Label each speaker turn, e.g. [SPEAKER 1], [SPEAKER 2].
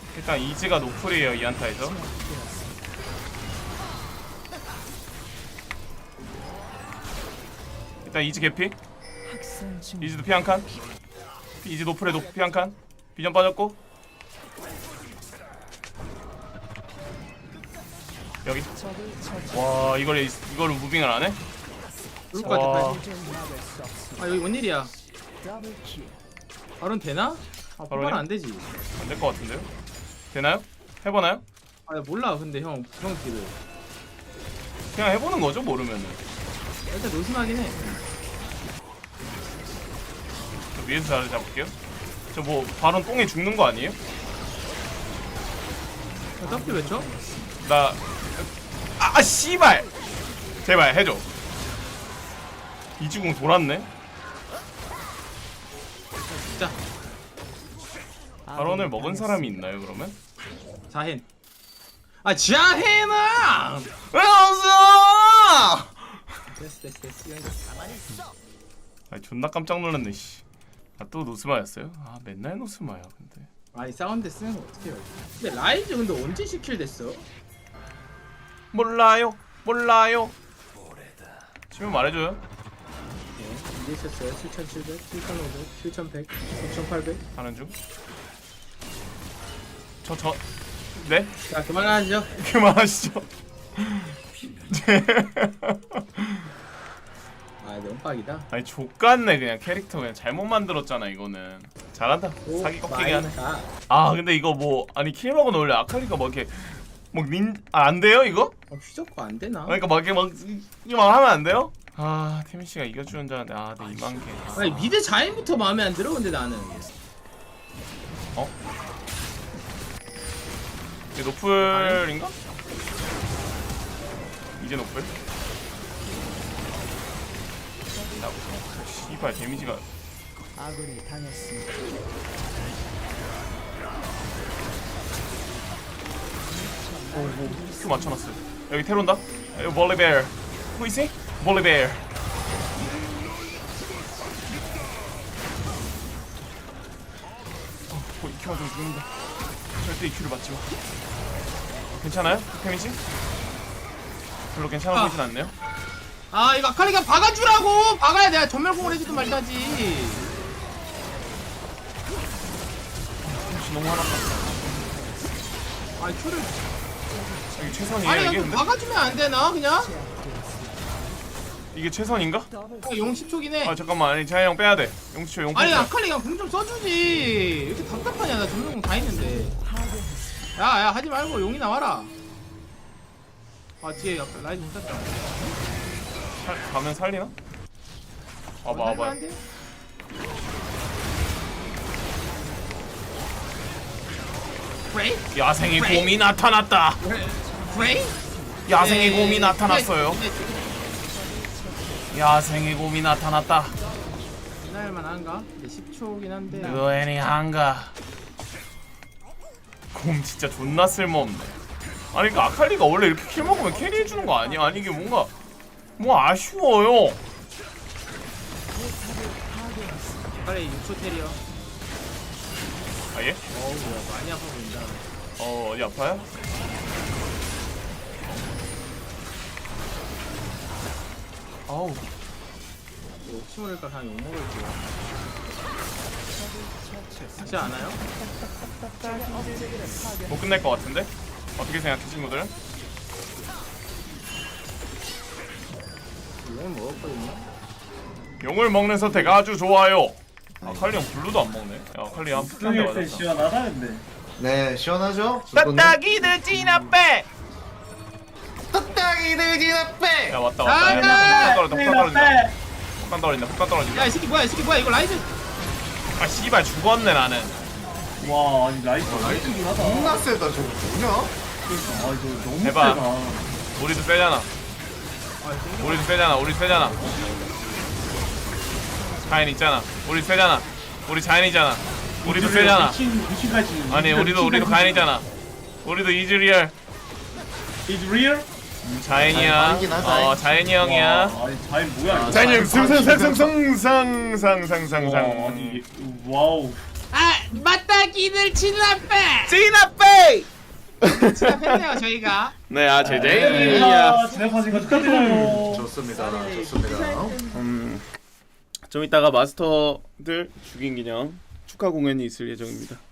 [SPEAKER 1] 일단 이즈가 노플이에요 이 한타에서. 일단 이즈 개피. 이즈도 피 한 칸. 이즈 노플에 노플 피 한 칸. 비전 빠졌고 여기. 와 이걸 무빙을 안 해?
[SPEAKER 2] 그럴 것 같아.
[SPEAKER 1] 와.
[SPEAKER 2] 아 여기 뭔 일이야? 바론 되나? 아
[SPEAKER 1] 바론이요?
[SPEAKER 2] 뽑아는 안 되지.
[SPEAKER 1] 안 될 것 같은데요? 되나요? 해보나요?
[SPEAKER 2] 아 나 몰라 근데 형 딜을
[SPEAKER 1] 그냥 해보는 거죠 모르면은.
[SPEAKER 2] 일단 노심하긴 해.
[SPEAKER 1] 저 위에서 자리 잡을게요. 저 뭐 바론 똥에 죽는 거 아니에요?
[SPEAKER 2] W 왜 쳐?
[SPEAKER 1] 나 씨발 제발 해줘. 이주공 돌았네.
[SPEAKER 2] 진짜
[SPEAKER 1] 바론을 먹은 사람이 있나요 그러면?
[SPEAKER 2] 자hen. 아 자hen아!
[SPEAKER 1] 왜 없어?
[SPEAKER 2] 됐어.
[SPEAKER 1] 아니 존나 깜짝 놀랐네 씨. 아 또 노스마였어요? 아 맨날 노스마야 근데.
[SPEAKER 2] 아니 사운드 쓰는 거 어떻게 해요? 근데 라이즈 근데 언제 10킬 됐어?
[SPEAKER 1] 몰라요. 치면 말해줘요.
[SPEAKER 2] 네, 이제 있었어요. 7,700, 7,500, 7,100, 6,800.
[SPEAKER 1] 하는 중. 네?
[SPEAKER 2] 자 그만하죠.
[SPEAKER 1] 그만하시죠.
[SPEAKER 2] 아 너무 빡이다.
[SPEAKER 1] 아니 족같네 그냥 캐릭터 그냥 잘못 만들었잖아 이거는. 잘한다. 사기 꺾이게 하네. 아 근데 이거 뭐 아니 킬먹은 원래 아칼리가 뭐 이렇게 안 돼요 이거?
[SPEAKER 2] 휘젓고 안 되나?
[SPEAKER 1] 그러니까 막 이렇게 막 하면 안 돼요? 아 태민 씨가 이겨주는 줄 알았는데 아 내 2만 개.
[SPEAKER 2] 아니 미드 자인부터 마음에 안 들어 근데 나는.
[SPEAKER 1] 어? 이게 노플인가? 이제 노플? 씨발 데미지가
[SPEAKER 3] 아군이 당했습니다.
[SPEAKER 1] 큐 맞춰놨어요. 여기 테론다? 여기 볼리베어. Who is he? 볼리베어. 이 큐 맞으면 죽는다. 절대 이 큐를 맞지 마. 괜찮아요? 데미지? 별로 괜찮아 보이진 않네요.
[SPEAKER 2] 아 이거 아칼리가 박아주라고! 박아야 내가 전멸공을 해주든 말든지.
[SPEAKER 1] 데미지 너무 화났다.
[SPEAKER 2] 아 큐를
[SPEAKER 1] 이게 최선이에요
[SPEAKER 2] 아니
[SPEAKER 1] 이게
[SPEAKER 2] 좀
[SPEAKER 1] 근데?
[SPEAKER 2] 박아주면 안 되나 그냥?
[SPEAKER 1] 이게 최선인가?
[SPEAKER 2] 용 10초긴 해.
[SPEAKER 1] 아 잠깐만 아니 자이 형 빼야 돼. 용치초 용
[SPEAKER 2] 아니
[SPEAKER 1] 빼야 돼.
[SPEAKER 2] 아칼리가 공 좀 써주지. 왜 이렇게 답답하냐 나 전멸공 다 있는데. 야야 하지 말고 용이 나와라. 아 뒤에 약간 라이즈 못 탔다.
[SPEAKER 1] 가면 살리나? 와봐.
[SPEAKER 2] 안 돼? 프레이?
[SPEAKER 1] 야생의
[SPEAKER 2] 그래?
[SPEAKER 1] 곰이 나타났다.
[SPEAKER 2] 프레이?
[SPEAKER 1] 야생의
[SPEAKER 2] 네.
[SPEAKER 1] 곰이 나타났어요. 야생의 곰이 나타났다.
[SPEAKER 2] 지날만 한가? 10초긴 한데.
[SPEAKER 1] 그애니 한가. 곰 진짜 존나 쓸모없네. 아니 그니까 아칼리가 원래 이렇게 킬 먹으면 캐리해주는 거 아니야? 아니 이게 뭔가 뭐 아쉬워요.
[SPEAKER 2] 빨리 6초 테리어.
[SPEAKER 1] 아 예?
[SPEAKER 2] 어우 야 많이 아파 보인다.
[SPEAKER 1] 어디 아파요? 아우
[SPEAKER 2] 혹시 모를까 그냥 욕먹을게요. 하지 않아요?
[SPEAKER 1] 못 끝낼 것 같은데? 어떻게 생각해 친구들?
[SPEAKER 2] 욕을 먹었거든요.
[SPEAKER 1] 용을 먹는 선택 아주 좋아요. 아칼리 형 블루도 안 먹네. 야 아칼리 한 대 맞았다.
[SPEAKER 4] 시원하다 근데.
[SPEAKER 5] 네, 시원하죠?
[SPEAKER 1] 따따기들 진압배.
[SPEAKER 5] 뚝딱이들 진압배!
[SPEAKER 1] 야 왔다
[SPEAKER 2] 아,
[SPEAKER 1] 폭탄 떨어진다.
[SPEAKER 2] 야 이 새끼 뭐야 이 새끼 뭐야 이거 라이즈.
[SPEAKER 1] 아 씨발 죽었네 나는.
[SPEAKER 4] 와 아니 라이트 라이트긴 하다.
[SPEAKER 5] 겁나 세다, 저거 뭐냐?
[SPEAKER 4] 그러니까 아 이거 너무
[SPEAKER 1] 해봐.
[SPEAKER 4] 세다.
[SPEAKER 1] 우리도 세잖아. 우리도 세잖아. 자연 있잖아. 우리 세잖아. 우리 자연이잖아. 우리도 세잖아.
[SPEAKER 4] 미친까지.
[SPEAKER 1] 아니 우리도 가연이잖아. 우리도 이즈리얼
[SPEAKER 4] Is real?
[SPEAKER 1] 자연이야.
[SPEAKER 5] 아니긴 하다.
[SPEAKER 1] 자연이 형이야.
[SPEAKER 4] 와, 아니 자연 뭐야?
[SPEAKER 1] 자연이 형
[SPEAKER 4] 와, 아니 와우.
[SPEAKER 2] 아 맞다기들 진압배.
[SPEAKER 1] 진압배.
[SPEAKER 2] 시작했네요 저희가.
[SPEAKER 1] 네, 아 제제이야.
[SPEAKER 4] 진행하신 거 축하드려요.
[SPEAKER 5] 좋습니다. 좋습니다.
[SPEAKER 1] 좀 이따가 마스터들 죽인 기념 축하 공연이 있을 예정입니다.